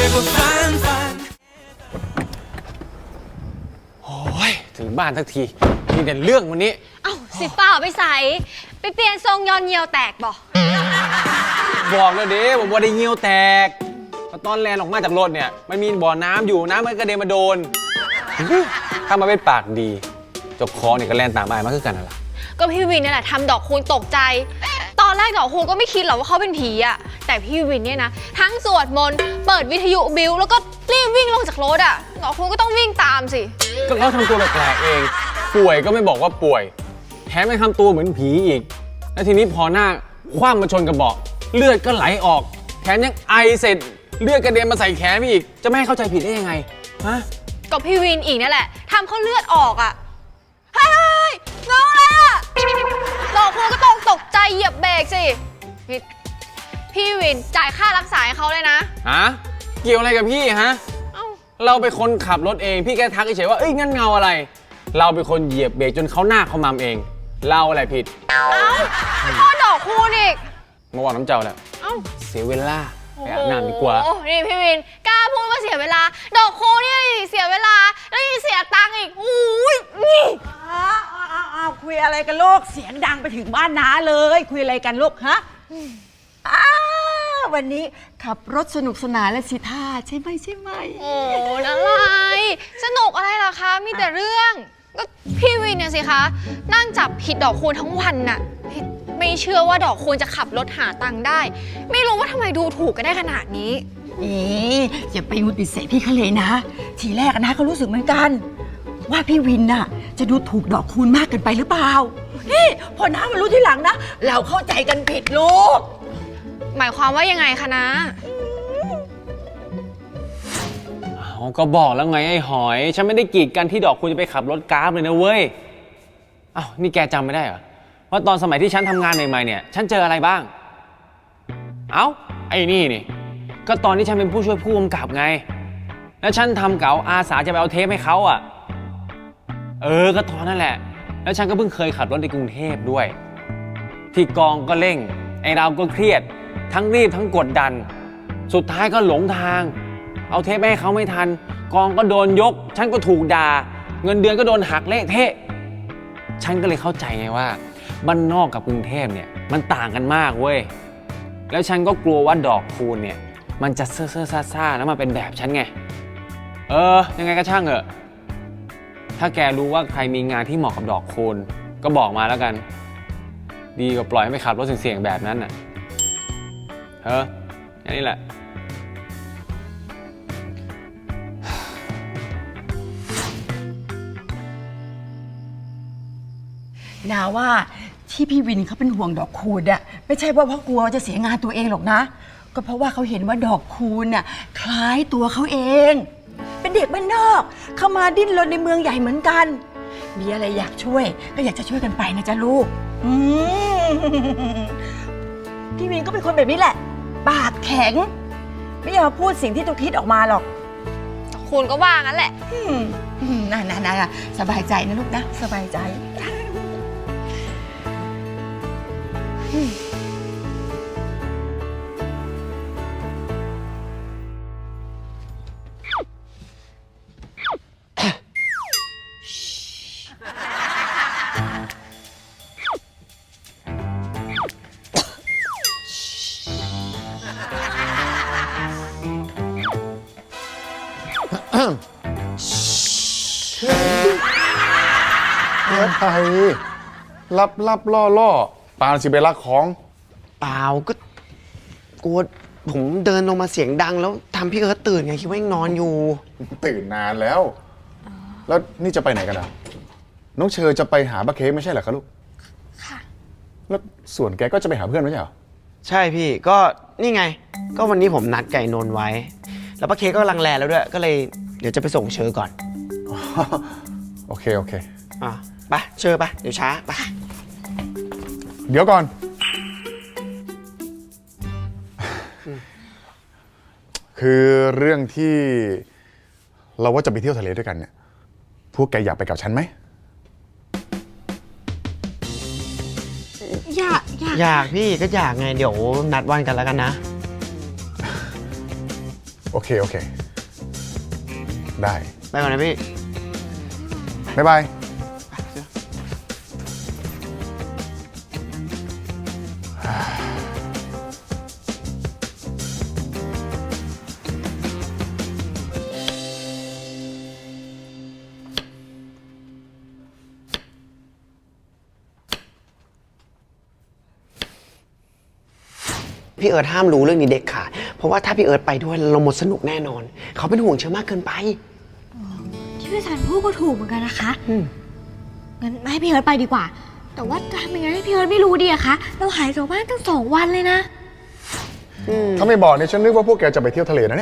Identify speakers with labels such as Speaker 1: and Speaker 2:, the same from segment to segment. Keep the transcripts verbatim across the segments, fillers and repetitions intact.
Speaker 1: ว่าฝันฝัน
Speaker 2: โอ้ยถึงบ้านทักทีมีแต่เรื่องวันนี้
Speaker 3: เอ้าสิเปล่าไปใส่ไปเปลี่ยนทรงยอนเยียวแตกบ่
Speaker 2: บอกเลยเด้ผมว่าได้เงี้ยวแตกตอนแลนออกมาจากรถเนี่ยมันมีบ่อน้ำอยู่น้ำมันกระเด็นมาโดนถ้ามาเป็นปากดีเจ้าของเนี่ยก็แลนตามอายมาคือกันนั่นแหละ
Speaker 3: ก็พี่วินนี่แหละทำดอกคูณตกใจตอนแรกดอกคูณก็ไม่คิดหรอกว่าเขาเป็นผีอะแต่พี่วินเนี่ยนะทั้งสวดมนต์เปิดวิทยุบิวแล้วก็รีบวิ่งลงจากรถอะดอกคูณก็ต้องวิ่งตามสิ
Speaker 2: ก็เขาทำตัวแปลกๆเองป่วยก็ไม่บอกว่าป่วยแถมยังทำตัวเหมือนผีอีกแล้วทีนี้พอหน้าคว่ำมาชนกระบอกเลือดก็ไหลออกแถมยังไอเสร็จเลือดกระเด็นมาใส่แขนพี่อีกจะไม่ให้เข้าใจผิดได้ยังไงฮะ
Speaker 3: ก็พี่วินอีกนั่นแหละทำเขาเลือดออกอะเฮ้ยน้องอะไรอะดอกคูณก็ต้องตกใจเหยียบเบรกสิพี่พี่วินจ่ายค่ารักษาให้เขาเลยนะ
Speaker 2: ฮะเกี่ยวอะไรกับพี่ฮะเราเป็นคนขับรถเองพี่แค่ทักเฉยๆว่าเอ้ยงั้นเงาอะไรเราเป็นคนเหยียบเบรกจนเขาหน้าเขามัมเองเราอะไรผิด
Speaker 3: เอ้าพ่อดอกคูณอีก
Speaker 2: มาบอกน้ำเจ้าแล้วเอ้าเสียเวลาไปอาบน้ำดีกว่า
Speaker 3: โอ้นี่พี่วินกล้าพูดว่าเสียเวลาดอกคูณนี่เสียเวลาแล้วยังเสียตังค์อีกอุ้ยนี่
Speaker 4: อ้าวอ้าวอ้าวคุยอะไรกันลูกเสียงดังไปถึงบ้านน้าเลยคุยอะไรกันลูกฮะอ้าววันนี้ขับรถสนุกสนานและสิท่าใช่ไหมใช่ไหม
Speaker 3: โอ้อะไรสนุกอะไรล่ะคะมีแต่เรื่องก็พี่วินเนี่ยสิคะนั่งจับผิดดอกคูณทั้งวันน่ะไม่เชื่อว่าดอกคูณจะขับรถหาตังค์ได้ไม่รู้ว่าทำไมดูถูกกันได้ขนาดนี้
Speaker 4: เอ๊ะอย่าไปงุดติดเสพี่เขาเลยนะทีแรกนะก็รู้สึกเหมือนกันว่าพี่วินน่ะจะดูถูกดอกคูณมากเกินไปหรือเปล่านี่พอน้ามารู้ทีหลังนะเราเข้าใจกันผิดลูก
Speaker 3: หมายความว่ายังไงคะนะ
Speaker 2: เขาก็บอกแล้วไงไอ้หอยฉันไม่ได้กีดกันที่ดอกคูณจะไปขับรถกราฟเลยนะเว้ยอ้าวนี่แกจำไม่ได้เหรอว่าตอนสมัยที่ฉันทำงานใหม่ๆเนี่ยฉันเจออะไรบ้างเอ้าไอ้นี่นี่ก็ตอนที่ฉันเป็นผู้ช่วยผู้กำกับไงแล้วฉันทำเก๋าอาสาจะไปเอาเทปให้เขาอ่ะเออก็ตอนนั่นแหละแล้วฉันก็เพิ่งเคยขับรถในกรุงเทพด้วยที่กองก็เร่งไอ้เราก็เครียดทั้งรีบทั้งกดดันสุดท้ายก็หลงทางเอาเทปให้เขาไม่ทันกองก็โดนยกฉันก็ถูกด่าเงินเดือนก็โดนหักเละเทะฉันก็เลยเข้าใจไงว่าบ้านนอกกับกรุงเทพเนี่ยมันต่างกันมากเว้ยแล้วฉันก็กลัวว่าดอกคูณเนี่ยมันจะเซ่อเซ่อซ่าซ่าแล้วมาเป็นแบบฉันไงเออยังไงก็ช่างเถอะถ้าแกรู้ว่าใครมีงานที่เหมาะกับดอกคูณก็บอกมาแล้วกันดีกว่าปล่อยให้ไปขับรถเสี่ยงๆแบบนั้นน่ะเอออย่างนี้แหละ
Speaker 4: นาว่าที่พี่วินเขาเป็นห่วงดอกคูณอะไม่ใช่ว่าเพราะกลัวจะเสียงานตัวเองหรอกนะก็เพราะว่าเขาเห็นว่าดอกคูณน่ะคล้ายตัวเขาเองเป็นเด็กบ้านนอกเข้ามาดิ้นรนในเมืองใหญ่เหมือนกันมีอะไรอยากช่วยก็อยากจะช่วยกันไปนะจ๊ะลูกพี่วินก็เป็นคนแบบนี้แหละปากแข็งไม่ยอมพูดสิ่งที่ตัวคิดออกมาหรอก
Speaker 3: คุณก็ว่างั้นแหละ
Speaker 4: น่าน่าสบายใจนะลูกนะสบายใจ
Speaker 5: เฮ้ยไทยรับรับล่อล่อปาสิไปรักของ
Speaker 6: เปล่าก็กลัวผมเดินลงมาเสียงดังแล้วทำพี่เอิร์ธตื่นไงคิดว่ายังนอนอยู่
Speaker 5: ตื่นนานแล้วแล้วนี่จะไปไหนกันอ่ะน้องเชอจะไปหาป้าเค้กไม่ใช่เหรอคะลูกค่ะแล้วส่วนแกก็จะไปหาเพื่อนไม่ใช่เหรอ
Speaker 6: ใช่พี่ก็นี่ไงก็วันนี้ผมนัดไก่นนไว้แล้วป้าเค้กก็ลังแลแล้วด้วยก็เลยเดี๋ยวจะไปส่งเชอก่อน
Speaker 5: โอเคโอเค
Speaker 6: อ่ะไปเชอไปเดี๋ยวช้าไป
Speaker 5: เดี๋ยวก่อนคือเรื่องที่เราว่าจะไปเที่ยวทะเลด้วยกันเนี่ยพวกแกอยากไปกับฉันไหม
Speaker 4: อยากอยาก
Speaker 6: อยากพี่ก็อยากไงเดี๋ยวนัดวันกันแล้วกันนะ
Speaker 5: โอเค โอเค ได้
Speaker 6: ไปก่อนนะพี่
Speaker 5: บ๊ายบาย
Speaker 6: พี่เอิร์ธห้ามรู้เรื่องนี้เด็กขาดเพราะว่าถ้าพี่เอิร์ธไปด้วยเราหมดสนุกแน่นอน เขาเป็นห่วงเชอมากเกินไป
Speaker 1: ที่พี่สันพูดก็ถูกเหมือนกันนะคะงั้นไม่ให้พี่เอิร์ธไปดีกว่า แต่ว่าจะทำยังไงให้พี่เอิร์ธไม่รู้ดีอะคะเราหายจากบ้านตั้งสองวันเลยนะ
Speaker 5: ถ้าไม่บอกเนี่ยฉันนึกว่าพวกแกจะไปเที่ยวทะเลนะเนี่ย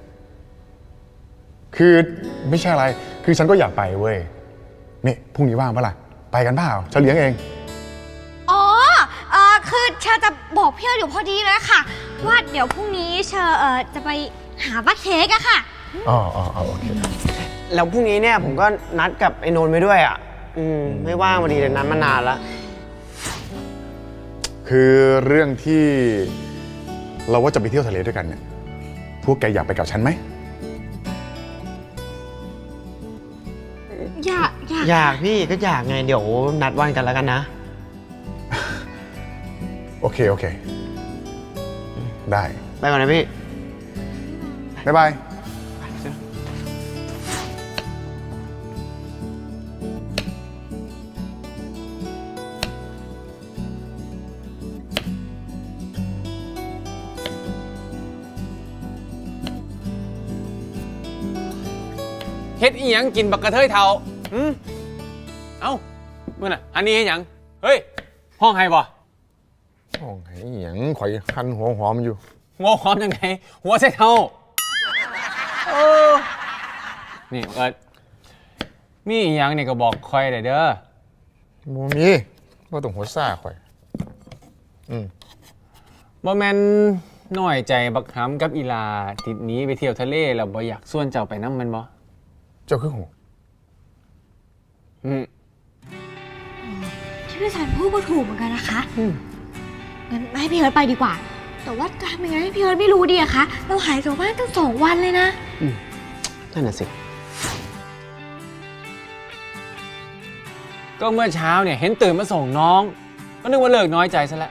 Speaker 5: คือไม่ใช่อะไร คือฉันก็อยากไปเว้ย นี่พรุ่งนี้ว่างปะล่ะ ไปกันเปล่าฉันเลี้ยงเอง
Speaker 1: อ๋อเออคือเชอจะบอกพี่เอิร์ธอยู่พอดีเลยค่ะ ว่าเดี๋ยวพรุ่งนี้เชอเออจะไปหาป้าเค้กอะค่ะ
Speaker 5: อ๋ออ๋ออ๋อโอเค
Speaker 6: แล้วพรุ่งนี้เนี่ยผมก็นัดกับไอ้นนท์ไปด้วยอ่ะ อืมไม่ว่างพอดีเลยนัดมานานแล้ว
Speaker 5: คือเรื่องที่เราว่าจะไปเที่ยวทะเลด้วยกันเนี่ย พวกแกอยากไปกับฉันไหม
Speaker 1: อยากอยาก
Speaker 6: อยากพี่ก็อยากไงเดี๋ยวนัดวันกันแล้วกันนะ
Speaker 5: โอเค โอเค ได้
Speaker 6: ไปก่อนนะพี่
Speaker 5: บ๊ายบาย
Speaker 2: เฮ็ดอีหยังกินบักกระเทยเทาหืมเอ้ามื่อน่ะ อันนี้เฮ็ดหยัง เฮ้ย ห้องไห้บ่
Speaker 5: โอ้ยอหย่างข่อยคันหัวหอมอยู่
Speaker 2: หัวหอมยังไง หัวใส่เทาเออนี่เอิร์ดมีอีหยังนี่ก็บอกคอยได้เด้อ
Speaker 5: โมมีว่าต้องหัวซ่าข่อย อืม
Speaker 2: บ่แม่นน้อยใจบักหำกับอีลาติดหนี้ไปเที่ยวทะเลแล้วบ่อยากส่วนเจ้าไปนำมันบ่
Speaker 5: เจ้าคือหู
Speaker 2: อืม
Speaker 1: ที่พี่สันพูดก็ถูกเหมือนกันนะคะงั้นไม่ให้พี่เอิร์ธไปดีกว่า แต่ว่าจะทำยังไงให้พี่เอิร์ธไม่รู้ดีอะคะเราหายจากบ้านตั้งสองวันเลยนะ
Speaker 6: นั่นน่ะสิ
Speaker 2: ก็เมื่อเช้าเนี่ยเห็นตื่นมาส่งน้อง ก็นึกว่าเลิกน้อยใจซะแล้ว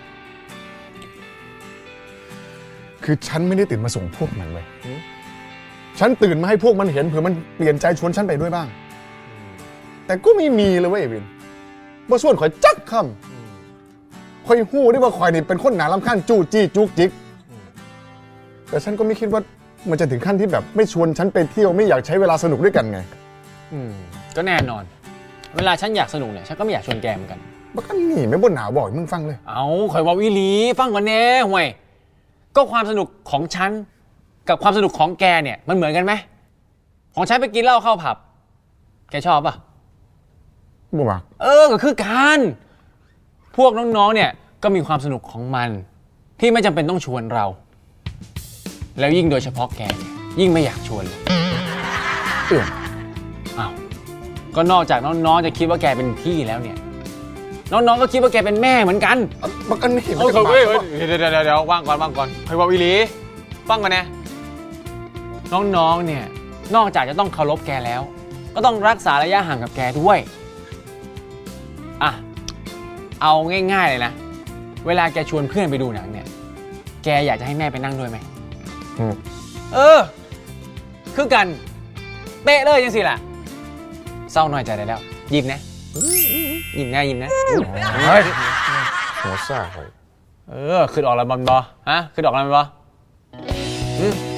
Speaker 5: คือฉันไม่ได้ตื่นมาส่งพวกมันเว้ยฉันตื่นมาให้พวกมันเห็นเผื่อมันเปลี่ยนใจชวนฉันไปด้วยบ้าง แต่ก็ไม่มีเลยเว้ยวินว่าส่วนข่อยจักคำข่อยหู้ได้ว่าข่อยนี่เป็นคนหนาลำข้างจู้จี้จุกจิก แต่ฉันก็ไม่คิดว่ามันจะถึงขั้นที่แบบไม่ชวนฉันไปเที่ยวไม่อยากใช้เวลาสนุกด้วยกันไง
Speaker 2: อืมก็แน่นอน เวลาฉันอยากสนุกเนี่ยฉันก็ไม่อยากชวนแกเหมือนกัน
Speaker 5: บักอันนี่ไม่บ่นหนาวบอกให้มึงฟังเลย
Speaker 2: เอาข่อยเว่าอีหลีฟังก่อนแน่ห่วย ก็ความสนุกของฉันกับความสนุกของแกเนี่ยมันเหมือนกันไหมของฉันไปกินเหล้าเข้าผับแกชอบป่ะ
Speaker 5: บ่มา
Speaker 2: เออก็คือการพวกน้องๆเนี่ยก็มีความสนุกของมัน ที่ไม่จำเป็นต้องชวนเรา แล้วยิ่งโดยเฉพาะแกเนี่ยยิ่งไม่อยากชวนเลย
Speaker 5: เอื่อม
Speaker 2: อ้าวก็นอกจากน้องๆจะคิดว่าแกเป็นพี่แล้วเนี่ยน้องๆก็คิดว่าแกเป็นแม่เหมือนกัน
Speaker 5: บักอันนี่
Speaker 2: เฮ้ยเฮ้ยเดี๋ยวเดี๋ยวเดี๋ยวว่างก่อนว่างก่อนใครว่าวิลีฟังกันนะน้องๆเนี่ยนอกจากจะต้องเคารพแกแล้ว ก็ต้องรักษาระยะห่างกับแกด้วยอ่ะเอาง่ายๆเลยนะเวลาแกชวนเพื่อนไปดูหนังเนี่ยแกอยากจะให้แม่ไปนั่งด้วยไหมเออคือกันเป๊ะเลยยังสิล่ะเศร้าหน่อยใจได้แล้วยิ้มนะยิ้มนะยิ้มนะ
Speaker 5: เฮ้ยหัวซ่าข่อย
Speaker 2: เออคือออกแล้วบอลบอฮะคือออกแล้วบอลบอ